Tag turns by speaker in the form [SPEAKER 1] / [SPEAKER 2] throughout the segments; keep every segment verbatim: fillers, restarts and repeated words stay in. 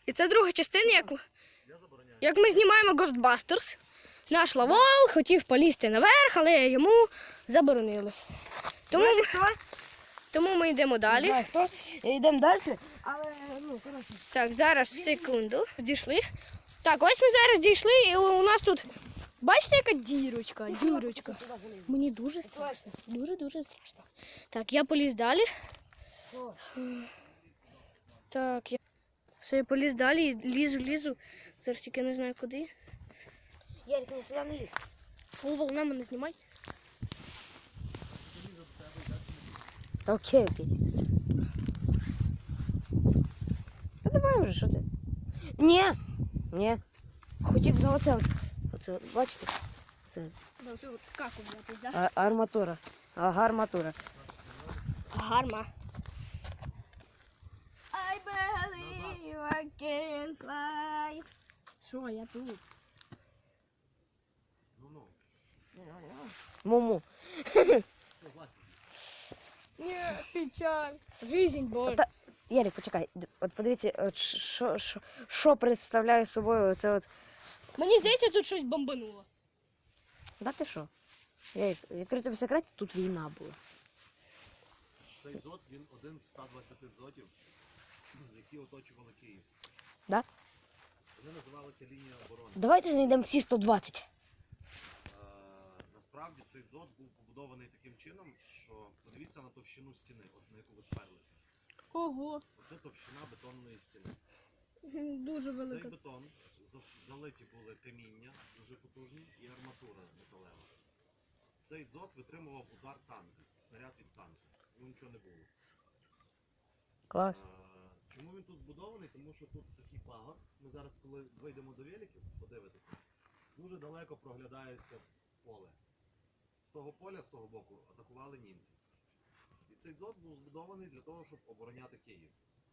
[SPEAKER 1] І це друга частина, як, як ми знімаємо Ghostbusters. Наш Лавол хотів полізти наверх, але йому заборонили. Тому, тому ми йдемо далі.
[SPEAKER 2] Не знаю, хто. Йдемо далі, але, ну, коротше.
[SPEAKER 1] Так, зараз, секунду, дійшли. Так, ось ми зараз дійшли, і у нас тут, бачите, яка дірочка, дірочка. Мені дуже страшно, дуже-дуже страшно. Так, я поліз далі. Так, я все, я поліз далі, лізу, лізу. Зараз тільки не знаю куди.
[SPEAKER 2] Ярик, не сюди не лізь.
[SPEAKER 1] О, волна мене знімай.
[SPEAKER 2] Окей, окей. Та давай вже, що ти? Ні, ні. Хотів за оце от. Оце, от, бачите? Це
[SPEAKER 1] За оцю каку взятись, так?
[SPEAKER 2] а, арматура. Ага, арматура.
[SPEAKER 1] Гарма. I believe I can fly. Що, я тут?
[SPEAKER 2] Муму.
[SPEAKER 1] Ні, печаль. Жизнь, боль.
[SPEAKER 2] Та, Ярик, почекай. Д- От подивіться, от що, що, що представляє собою оце от.
[SPEAKER 1] Мені здається, тут щось бомбануло.
[SPEAKER 2] Да ти що? Ярик, відкрию тобі секрет, тут війна була.
[SPEAKER 3] Цей дзот, він один з ста двадцяти дзотів, які оточували Київ.
[SPEAKER 2] Да?
[SPEAKER 3] Вони називалися лінія оборони.
[SPEAKER 2] Давайте знайдемо всі сто двадцять.
[SPEAKER 3] Е, насправді цей дзот був побудований таким чином, що подивіться на товщину стіни, от на яку ви сперлися.
[SPEAKER 1] Ого,
[SPEAKER 3] Оце товщина бетонної стіни.
[SPEAKER 1] дуже
[SPEAKER 3] Цей
[SPEAKER 1] велика.
[SPEAKER 3] бетон зас- залиті були каміння дуже потужні і арматура металева. Цей дзот витримував удар танка, снаряд від танка. Ну нічого не було.
[SPEAKER 2] Клас.
[SPEAKER 3] Е, Чому він тут збудований? Тому що тут такий пагор. Ми зараз, коли вийдемо до великів, подивитися, дуже далеко проглядається поле. З того поля, з того боку, атакували німці. І цей дзот був збудований для того, щоб обороняти Київ.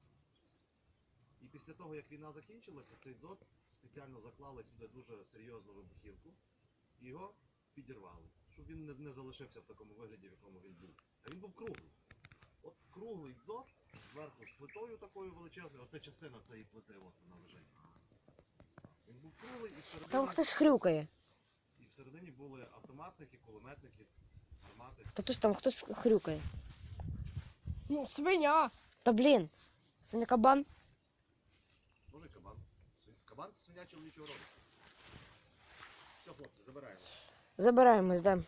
[SPEAKER 3] І після того, як війна закінчилася, цей дзот спеціально заклали сюди дуже серйозну вибухівку і його підірвали, щоб він не, не залишився в такому вигляді, в якому він був. А він був круглий. От круглий дзот, зверху з плитою такою величезною, оце частина цієї плити, от вона лежить. Він був круглий і всередині,
[SPEAKER 2] Там хтось хрюкає.
[SPEAKER 3] і всередині були автоматники, кулеметники, гармати.
[SPEAKER 2] Та тож там хтось хрюкає.
[SPEAKER 1] Ну, свиня.
[SPEAKER 2] Та блін, це не кабан.
[SPEAKER 3] Може кабан. Свин- Кабан це свиня чоловічого роду. Все, хлопці, забираємо.
[SPEAKER 2] Забираємо, здам.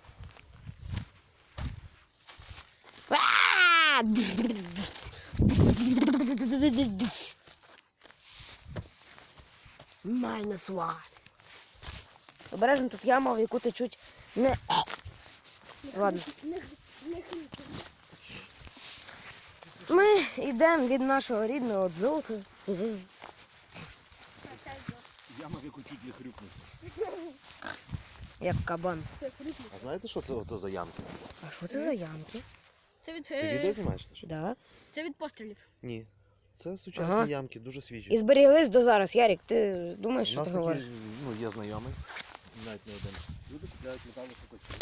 [SPEAKER 2] А! Minus one. Обережно, тут яма, в яку течуть не... Ладно. Ми йдемо від нашого рідного дзоту.
[SPEAKER 3] Яма, в яку чуть не хрюкнуть.
[SPEAKER 2] Як кабан.
[SPEAKER 3] А знаєте, що це, це за ямки?
[SPEAKER 2] А що це за ямки?
[SPEAKER 1] Це від,
[SPEAKER 3] Ти
[SPEAKER 1] е,
[SPEAKER 3] відео знімаєш, Саша?
[SPEAKER 2] Да.
[SPEAKER 1] це від пострілів.
[SPEAKER 3] Ні. Це сучасні
[SPEAKER 2] Ага.
[SPEAKER 3] ямки, дуже свіжі.
[SPEAKER 2] І зберіглись до зараз. Ярик, ти думаєш,
[SPEAKER 3] У
[SPEAKER 2] що
[SPEAKER 3] нас
[SPEAKER 2] ти
[SPEAKER 3] такі,
[SPEAKER 2] говориш?
[SPEAKER 3] ну, є знайомий, навіть не один. Люди купляють металошукачі.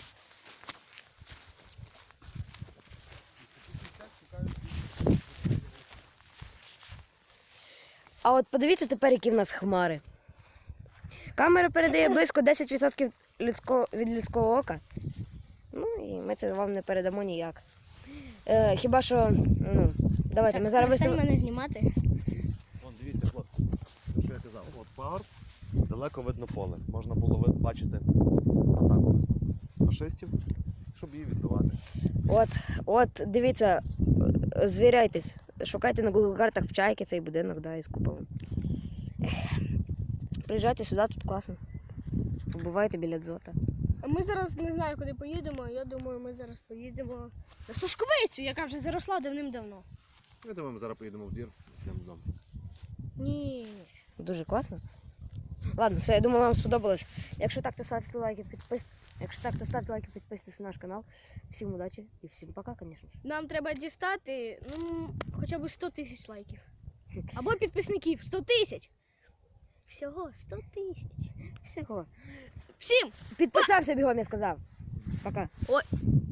[SPEAKER 2] А от подивіться тепер, які в нас хмари. Камера передає близько десять відсотків людського, від людського ока. Ну і ми це вам не передамо ніяк. Е, хіба що, ну, давайте, ми зараз
[SPEAKER 1] перестань
[SPEAKER 2] виставимо.
[SPEAKER 1] мене знімати.
[SPEAKER 3] Вон, дивіться, хлопці, те, що я казав. От пагорб, далеко видно поле. Можна було ви- бачити атаку фашистів, щоб її відбивати.
[SPEAKER 2] От, от, дивіться, е, звіряйтесь. Шукайте на Google картах в Чайки цей будинок, да, із куполом. Ех. Приїжджайте сюди, тут класно. Побувайте біля дзота.
[SPEAKER 1] А ми зараз не знаю, куди поїдемо. Я думаю, ми зараз поїдемо на Сташковицю, яка вже заросла давним-давно.
[SPEAKER 3] Я думаю, ми зараз поїдемо в двір, йдемо додому.
[SPEAKER 1] Ні.
[SPEAKER 2] Дуже класно. Ладно, все, я думаю, вам сподобалось. Якщо так, то ставте лайки, підпис... Якщо так, то ставте лайки, підписуйтесь на наш канал. Всім удачі і всім пока, звісно ж.
[SPEAKER 1] Нам треба дістати, ну, хоча б сто тисяч лайків. Або підписників. сто тисяч. Всього сто тисяч.
[SPEAKER 2] Всього.
[SPEAKER 1] Всім!
[SPEAKER 2] Підписався бігом, я сказав. Пока.
[SPEAKER 1] Ой.